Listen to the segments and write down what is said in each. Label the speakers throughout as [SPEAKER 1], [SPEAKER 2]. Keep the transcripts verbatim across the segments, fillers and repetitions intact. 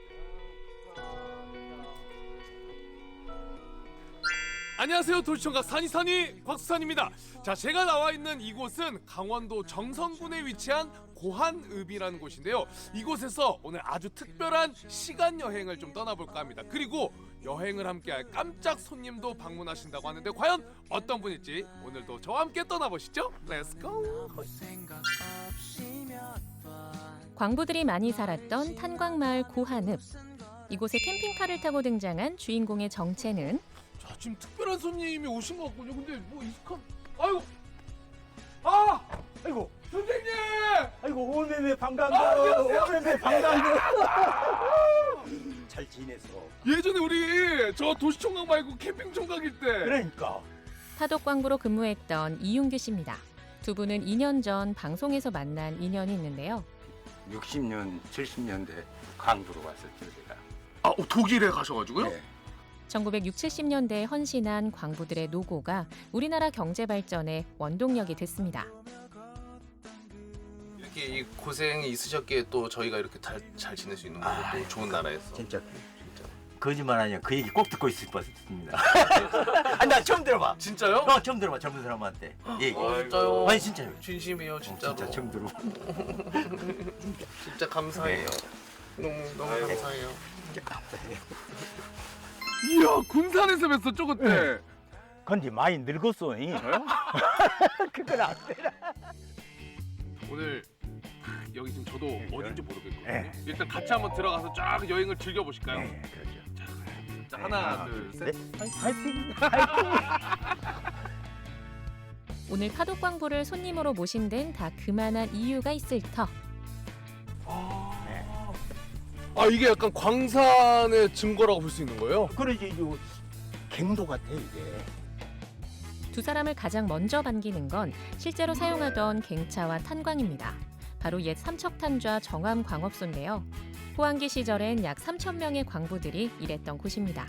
[SPEAKER 1] 안녕하세요. 도시청각 산이산이 곽수산입니다. 자, 제가 나와 있는 이곳은 강원도 정선군에 위치한 고한읍이라는 곳인데요. 이곳에서 오늘 아주 특별한 시간 여행을 좀 떠나볼까 합니다. 그리고 여행을 함께할 깜짝 손님도 방문하신다고 하는데 과연 어떤 분일지 오늘도 저와 함께 떠나보시죠. 렛츠고!
[SPEAKER 2] 광부들이 많이 살았던 탄광마을 고한읍. 이곳에 캠핑카를 타고 등장한 주인공의 정체는
[SPEAKER 1] 자, 지금 특별한 손님이 오신 것 같군요. 근데 뭐 익숙한... 아이고! 아!
[SPEAKER 3] 아이고,
[SPEAKER 1] 선생님!
[SPEAKER 3] 아이고, 오메메 반가워.
[SPEAKER 1] 아, 안녕하세요.
[SPEAKER 3] 오메메 반가워. 잘 지내서.
[SPEAKER 1] 예전에 우리 저 도시총각 말고 캠핑총각일 때
[SPEAKER 3] 그러니까.
[SPEAKER 2] 파독 광부로 근무했던 이윤규 씨입니다. 두 분은 이 년 전 방송에서 만난 인연이 있는데요.
[SPEAKER 4] 육십 년, 칠십 년대 광주로 왔었죠, 제가.
[SPEAKER 1] 아, 어, 독일에 가셔가지고요?
[SPEAKER 4] 네.
[SPEAKER 2] 천구백육십, 칠십 년대에 헌신한 광부들의 노고가 우리나라 경제 발전의 원동력이 됐습니다.
[SPEAKER 5] 이렇게 이 고생이 있으셨기에 또 저희가 이렇게 잘, 잘 지낼 수 있는 거고 또
[SPEAKER 4] 아이고,
[SPEAKER 5] 좋은 나라에서
[SPEAKER 4] 진짜
[SPEAKER 5] 진짜.
[SPEAKER 4] 거짓말 아니야. 그 얘기 꼭 듣고 있을 뻔했습니다. 아니, 나 처음 들어봐.
[SPEAKER 5] 진짜요?
[SPEAKER 4] 어, 처음 들어봐. 젊은 사람한테 얘기.
[SPEAKER 5] 어, 진짜요?
[SPEAKER 4] 아니, 진짜요.
[SPEAKER 5] 진심이에요
[SPEAKER 4] 어,
[SPEAKER 5] 진짜로.
[SPEAKER 4] 진짜 처음 들어.
[SPEAKER 5] 진짜 감사해요. 너무 너무 감사해요.
[SPEAKER 1] 이야, 군산에서 뵀었죠 그때?
[SPEAKER 3] 근데 많이 늙었어. 잉? 그건 안 돼.
[SPEAKER 1] 오늘 여기 지금 저도 어딘지 모르겠거든요.
[SPEAKER 3] 네.
[SPEAKER 1] 일단 같이 한번 들어가서 쫙 여행을 즐겨보실까요?
[SPEAKER 3] 네, 그렇죠.
[SPEAKER 1] 자, 하나, 둘, 셋.
[SPEAKER 3] 네. 파이팅.
[SPEAKER 2] 오늘 파독 광부를 손님으로 모신 데는 다 그만한 이유가 있을 터.
[SPEAKER 1] 아, 이게 약간 광산의 증거라고 볼 수 있는 거예요?
[SPEAKER 3] 그러지, 이 갱도 같아, 이게.
[SPEAKER 2] 두 사람을 가장 먼저 반기는 건 실제로 사용하던 갱차와 탄광입니다. 바로 옛 삼척탄좌 정암광업소인데요. 호황기 시절엔 약 삼천 명의 광부들이 일했던 곳입니다.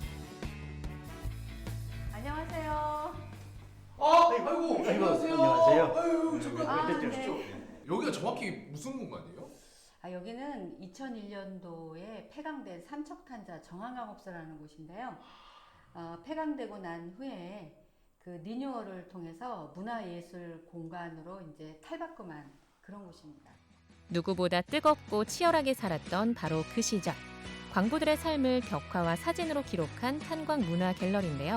[SPEAKER 6] 안녕하세요.
[SPEAKER 1] 아, 아이고, 안녕하세요.
[SPEAKER 3] 안녕하세요.
[SPEAKER 1] 아유, 잠깐
[SPEAKER 6] 아,
[SPEAKER 1] 앉아주시죠.
[SPEAKER 6] 네.
[SPEAKER 1] 여기가 정확히 무슨 공간이에요?
[SPEAKER 6] 아, 여기는 이천일 년도에 폐광된 삼척탄자 정황광업소라는 곳인데요. 어, 폐광되고 난 후에 그 리뉴얼을 통해서 문화예술 공간으로 이제 탈바꿈한 그런 곳입니다.
[SPEAKER 2] 누구보다 뜨겁고 치열하게 살았던 바로 그 시절. 광부들의 삶을 벽화와 사진으로 기록한 탄광 문화 갤러리인데요.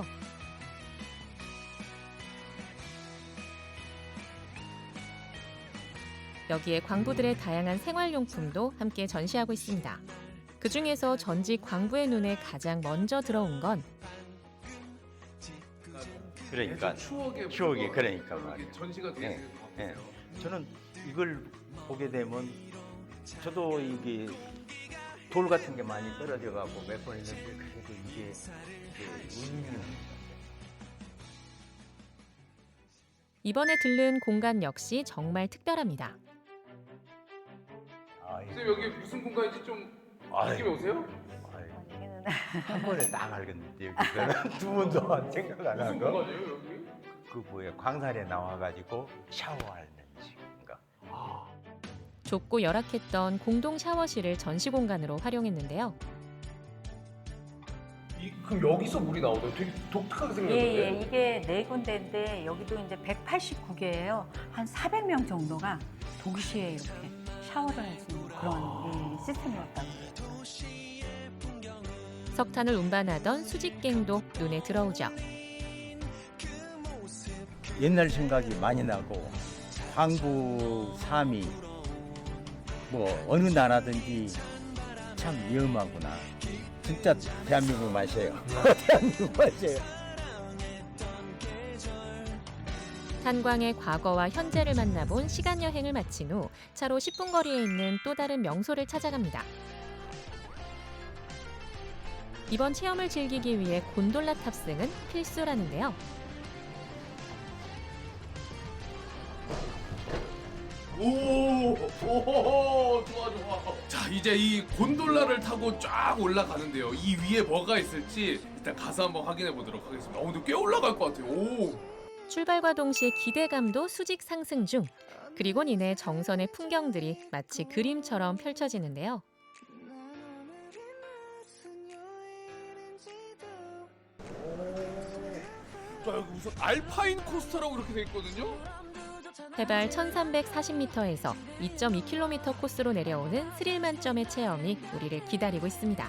[SPEAKER 2] 여기에 광부들의 다양한 생활용품도 함께 전시하고 있습니다. 그 중에서 전직 광부의 눈에 가장 먼저 들어온 건
[SPEAKER 3] 그러니까.
[SPEAKER 1] 추억의
[SPEAKER 3] 추억이
[SPEAKER 1] 뭔가
[SPEAKER 3] 그러니까
[SPEAKER 1] 이렇게
[SPEAKER 3] 말이에요.
[SPEAKER 1] 전시가 되어
[SPEAKER 3] 네,
[SPEAKER 1] 있는 것
[SPEAKER 3] 네.
[SPEAKER 1] 같아요.
[SPEAKER 3] 저는 이걸 보게 되면 저도 이게 돌 같은 게 많이 떨어져 가고 몇 번 했는데 그래도 이게 그 운명.
[SPEAKER 2] 이번에 들른 공간 역시 정말 특별합니다.
[SPEAKER 3] 아이,
[SPEAKER 1] 선생님, 여기 무슨 공간인지 좀
[SPEAKER 3] 아이.
[SPEAKER 1] 느낌이 오세요?
[SPEAKER 3] 아이,
[SPEAKER 6] 여기는
[SPEAKER 3] 한 번에 딱 알겠는데 여기서는 두 번도 생각 안
[SPEAKER 1] 무슨
[SPEAKER 3] 하고
[SPEAKER 1] 공간이에요, 여기?
[SPEAKER 3] 그 뭐야 광산에 나와가지고 샤워하는 식인가.
[SPEAKER 2] 좁고 열악했던 공동 샤워실을 전시 공간으로 활용했는데요.
[SPEAKER 1] 이, 그럼 여기서 물이 나오나요? 되게 독특하게 생겼는데?
[SPEAKER 6] 예, 예, 이게 네 군데인데 여기도 이제 백팔십구 개예요. 한 사백 명 정도가 동시에 이렇게 샤워를 할 수 있는 그런 예, 시스템이었다고 해요.
[SPEAKER 2] 석탄을 운반하던 수직갱도 눈에 들어오죠.
[SPEAKER 3] 옛날 생각이 많이 나고 황구, 삼이 뭐 어느 나라든지 참 위험하구나. 진짜 대한민국 맛이에요. 대한민국 맛이에요.
[SPEAKER 2] 탄광의 과거와 현재를 만나본 시간 여행을 마친 후 차로 십 분 거리에 있는 또 다른 명소를 찾아갑니다. 이번 체험을 즐기기 위해 곤돌라 탑승은 필수라는데요.
[SPEAKER 1] 오, 오, 좋아, 좋아. 자, 이제 이 곤돌라를 타고 쫙 올라가는데요. 이 위에 뭐가 있을지 일단 가서 한번 확인해 보도록 하겠습니다. 어, 근데 꽤 올라갈 것 같아요. 오.
[SPEAKER 2] 출발과 동시에 기대감도 수직 상승 중. 그리곤 이내 정선의 풍경들이 마치 그림처럼 펼쳐지는데요.
[SPEAKER 1] 자, 여기 무슨 알파인 코스터라고 이렇게 돼 있거든요.
[SPEAKER 2] 해발 천삼백사십 미터에서 이 점 이 킬로미터 코스로 내려오는 스릴 만점의 체험이 우리를 기다리고 있습니다.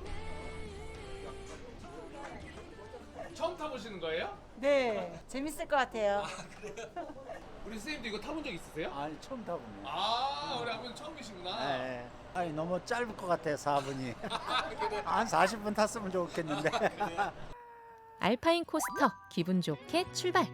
[SPEAKER 1] 처음 타보시는 거예요?
[SPEAKER 7] 네, 재밌을 것 같아요.
[SPEAKER 1] 우리 선생님도 이거 타본 적 있으세요?
[SPEAKER 8] 아니 처음 타보네.
[SPEAKER 1] 아, 우리 아버님 처음이시구나.
[SPEAKER 8] 네. 아니 너무 짧을 것 같아요 사 분이. 한 사십 분 탔으면 좋겠는데.
[SPEAKER 2] 알파인 코스터 기분 좋게 출발.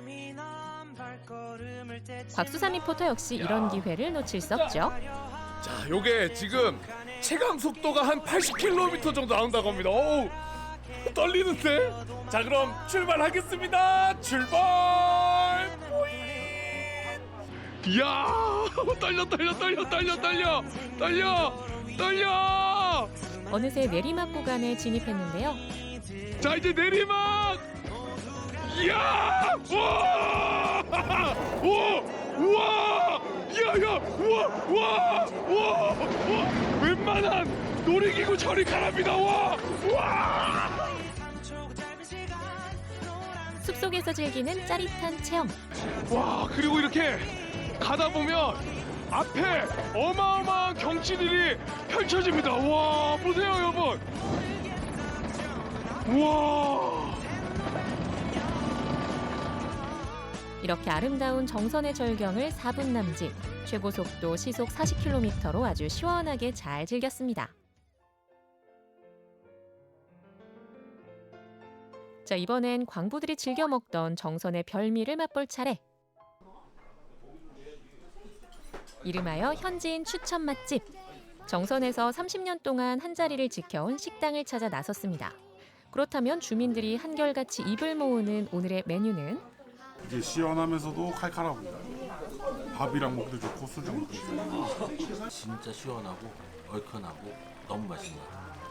[SPEAKER 2] 곽수산 리포터 역시 이런 기회를 놓칠 수 없죠.
[SPEAKER 1] 자, 요게 지금 체감 속도가 한 팔십 킬로미터 정도 나온다고 합니다. 어우, 떨리는데? 자, 그럼 출발하겠습니다. 출발! 뿌잉! 이야, 떨려, 떨려, 떨려, 떨려, 떨려, 떨려, 떨려!
[SPEAKER 2] 어느새 내리막 구간에 진입했는데요.
[SPEAKER 1] 자, 이제 내리막! 이야! 와! 와! 우와! 야, 야! 우와! 우와! 우와! 우와! 웬만한 놀이기구 저리 가랍니다. 와! 와!
[SPEAKER 2] 숲속에서 즐기는 짜릿한 체험.
[SPEAKER 1] 와, 그리고 이렇게 가다 보면 앞에 어마어마한 경치들이 펼쳐집니다. 와, 보세요, 여러분. 와!
[SPEAKER 2] 이렇게 아름다운 정선의 절경을 사 분 남짓, 최고 속도 시속 사십 킬로미터로 아주 시원하게 잘 즐겼습니다. 자, 이번엔 광부들이 즐겨 먹던 정선의 별미를 맛볼 차례. 이름하여 현지인 추천 맛집. 정선에서 삼십 년 동안 한자리를 지켜온 식당을 찾아 나섰습니다. 그렇다면 주민들이 한결같이 입을 모으는 오늘의 메뉴는?
[SPEAKER 9] 이게 시원하면서도 칼칼합니다. 밥이랑 먹기도 좋고 술이랑 먹기도 좋고.
[SPEAKER 10] 진짜 시원하고 얼큰하고 너무 맛있는 것 같아요.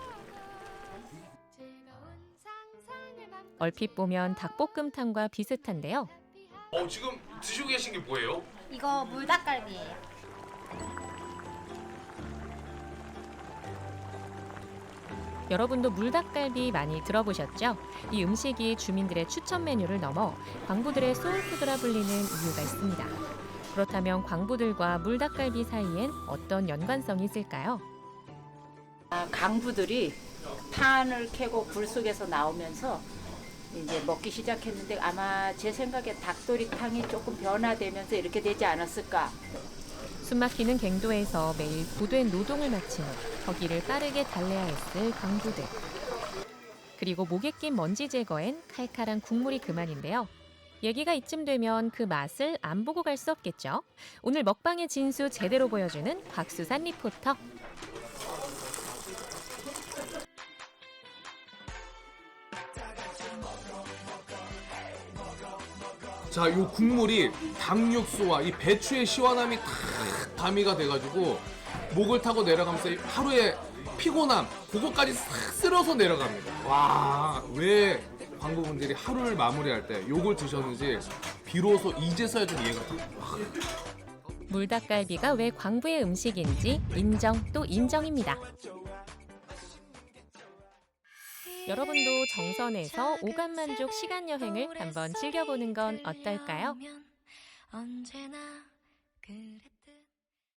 [SPEAKER 2] 얼핏 보면 닭볶음탕과 비슷한데요.
[SPEAKER 1] 어, 지금 드시고 계신 게 뭐예요?
[SPEAKER 11] 이거 물닭갈비예요.
[SPEAKER 2] 여러분도 물닭갈비 많이 들어보셨죠? 이 음식이 주민들의 추천 메뉴를 넘어 광부들의 소울푸드라 불리는 이유가 있습니다. 그렇다면 광부들과 물닭갈비 사이엔 어떤 연관성이 있을까요?
[SPEAKER 7] 아, 강부들이 판을 캐고 불 속에서 나오면서 이제 먹기 시작했는데 아마 제 생각에 닭도리탕이 조금 변화되면서 이렇게 되지 않았을까.
[SPEAKER 2] 숨막히는 갱도에서 매일 고된 노동을 마친 후 거기를 빠르게 달래야 했을 광부들. 그리고 목에 낀 먼지 제거엔 칼칼한 국물이 그만인데요. 얘기가 이쯤 되면 그 맛을 안 보고 갈 수 없겠죠. 오늘 먹방의 진수 제대로 보여주는 곽수산 리포터.
[SPEAKER 1] 자, 요 국물이 닭육수와 이 배추의 시원함이 탁 가미가 돼가지고 목을 타고 내려가면서 하루의 피곤함 그거까지 싹 쓸어서 내려갑니다. 와, 왜 광부분들이 하루를 마무리할 때 요걸 드셨는지 비로소 이제서야 좀 이해가 돼요.
[SPEAKER 2] 물닭갈비가 왜 광부의 음식인지 인정 또 인정입니다. 여러분도 정선에서 오감만족 시간여행을 한번 즐겨보는 건 어떨까요?
[SPEAKER 11] 언제나 그랬